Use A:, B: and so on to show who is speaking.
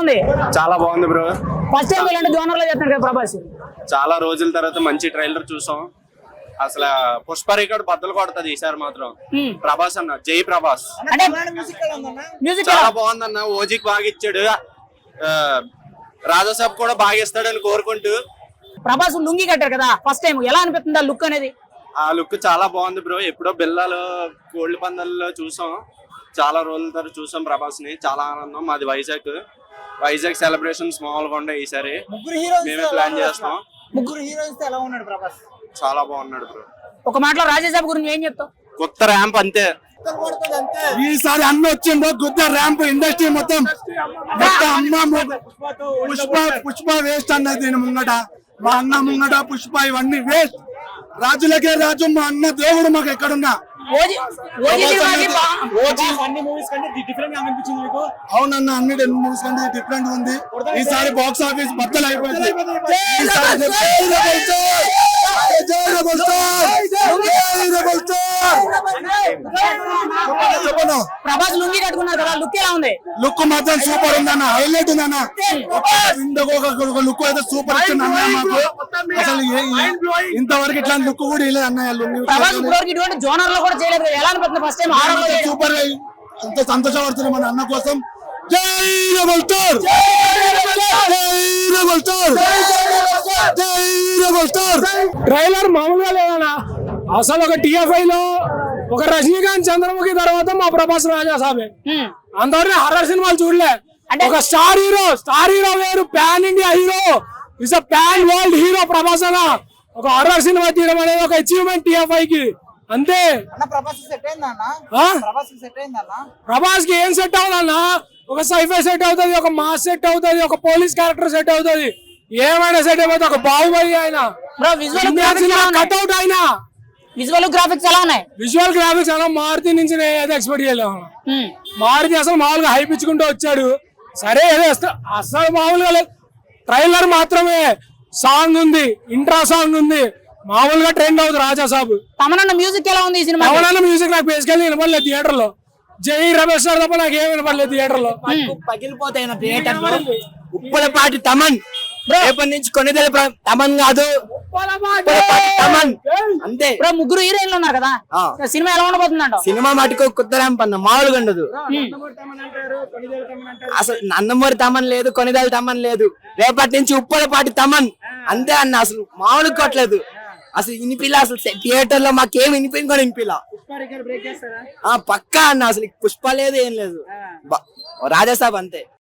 A: ఉంది?
B: చాలా బాగుంది బ్రో.
A: ఫస్ట్ టైం ఇలాంటి జోనర్ లో చేస్తున్నారు కదా ప్రభాస్.
B: చాలా రోజుల తర్వాత మంచి ట్రైలర్ చూసాం. అసలు పుష్ప రికార్డ్ బద్దలు కొడుతుంది ఈసారి మాత్రం. ప్రభాస్ అన్న, జై ప్రభాస్.
A: అంటే మ్యూజిక్
B: చాలా బాగుందన్న. ఓజికి బాగా ఇచ్చాడు, రాజాసాబ్ కూడా బాగా ఇస్తాడని కోరుకుంటూ.
A: ప్రభాస్ లుంగి కట్టారు కదా ఫస్ట్ టైం, ఎలా అనిపిస్తుంది ఆ లుక్ అనేది?
B: ఆ లుక్ చాలా బాగుంది బ్రో. ఎప్పుడో బిల్లాలో కోళ్ల పందాల్లో చూసాం, చాలా రోజుల తర్వాత చూసాం ప్రభాస్ ని. చాలా ఆనందం. మాది వైజాగ్ సెలబ్రేషన్స్ మామూలుగా ఉండే ఈసారి. మేమే ప్లాన్ చేస్తాం.
C: ముగ్గురు హీరోయిన్స్ ఎలా ఉన్నాడు ప్రభాస్?
B: చాలా బాగున్నాడు బ్రో.
A: ఒక మాటలో రాజేసాబ్ గురించి ఏం చెప్తావు?
B: కొత్త ర్యాంప్ అంతే.
D: ఈసారి అన్న వచ్చిందో కొత్త ర్యాంప్ ఇండస్ట్రీ మొత్తం. పుష్ప వేస్ట్ అన్నది దీని ముంగట. మా అన్న ముంగట పుష్ప ఇవన్నీ వేస్ట్. రాజులకే రాజు మా అన్న దేవుడు మాకు ఎక్కడున్నా. అవునన్న, అన్ని మూవీస్ కంటే డిఫరెంట్ ఉంది. ఈసారి బాక్స్ ఆఫీస్ బద్దలు అయిపోయింది.
A: ప్రభాస్ లుంగి కట్టుకున్నారు కదా, లుక్ ఎలా ఉంది?
D: లుక్ మాత్రం సూపర్ ఉందన్న, హైలైట్ ఉందన్న. లుక్ అయితే సూపర్ ఇచ్చింది అన్న మాకు. అసలు ఇంతవరకు ఇట్లాంటి లుక్ కూడా లేదు అన్నయ్య లుంగి.
A: ప్రభాస్ ఇటువంటి జోనర్ లో కూడా చేయలేదు, ఎలా అనిపిస్తుంది ఫస్ట్ టైం?
D: సూపర్ గా అంత సంతోషపడుతున్నాం మన అన్న కోసం. జై రెబల్ స్టార్,
E: ట్రైలర్ మామూలుగా లేదన్నా. అసలు ఒక టిఎఫ్ఐ లో ఒక రజనీకాంత్, చంద్రముఖి తర్వాత మా ప్రభాస్ రాజాసాబే. అంతవరకు హర్రర్ సినిమాలు చూడలే. ఒక స్టార్ హీరో వేరు, pan India hero, is a pan world hero Prabhas అన్న. ఒక హర్రర్ సినిమా తీయడం అనేది ఒక అచీవ్మెంట్ టిఎఫ్ఐ కి, అంతే. ప్రభాస్ కి ఏం సెట్ అవుదన్నా? ఒక సైఫై సెట్ అవుతుంది, ఒక మాస్ సెట్ అవుతుంది, ఒక పోలీస్ క్యారెక్టర్ సెట్ అవుతుంది, ఏమైనా సెట్ అయిపోతుంది. ఒక బాహుబలి ఆయన కట్అవుట్ ఆయన.
A: విజువల్ గ్రాఫిక్స్ ఎలా ఉన్నాయి?
E: విజువల్ గ్రాఫిక్స్ అలా మారుతి నుంచి ఏదో ఎక్స్పెక్ట్ చేయలేము. మారుతి అసలు మామూలుగా హైప్ ఇచ్చుకుంటూ వచ్చాడు. సరే ఏదో అసలు మామూలుగా లేదు. ట్రైలర్ మాత్రమే, సాంగ్ ఉంది, ఇంట్రా సాంగ్ ఉంది, మామూలుగా ట్రెండ్ అవుతుంది. రాజాసాబ్
A: తమనన్న మ్యూజిక్ ఎలా ఉంది ఈ సినిమా?
E: తమనన్న మ్యూజిక్ నాకు బేసికల్లీ వినపడలేదు థియేటర్ లో. జై రమేష్ సార్ తప్ప నాకు ఏం వినపడలేదు థియేటర్ లో.
C: పగిలిపోతాయి థియేటర్ లో. ఉప్పలపాటి తమన్ రేపటి నుంచి కొనిదెల తమన్ కాదు, తమన్ అంతే.
A: ముగ్గురు హీరోయిన్లు ఉన్నారు కదా, సినిమా ఎలా ఉండబోతుందంట?
C: సినిమా మటుకు కొత్త ర్యాంప్ అన్న, మామూలుగా ఉండదు. అసలు నందమూరి తమన్ లేదు, కొనిదెల తమన్ లేదు. రేపటి నుంచి ఉప్పలపాటి తమన్ అంతే అన్న. అసలు మామూలుగా కొట్టలేదు. అసలు వినిపిలా, అసలు థియేటర్ లో మాకేం వినిపించి కూడా వినిపిలా. పక్కా అన్న, అసలు పుష్ప లేదు, ఏం లేదు. రాజాసాబ్ అంతే.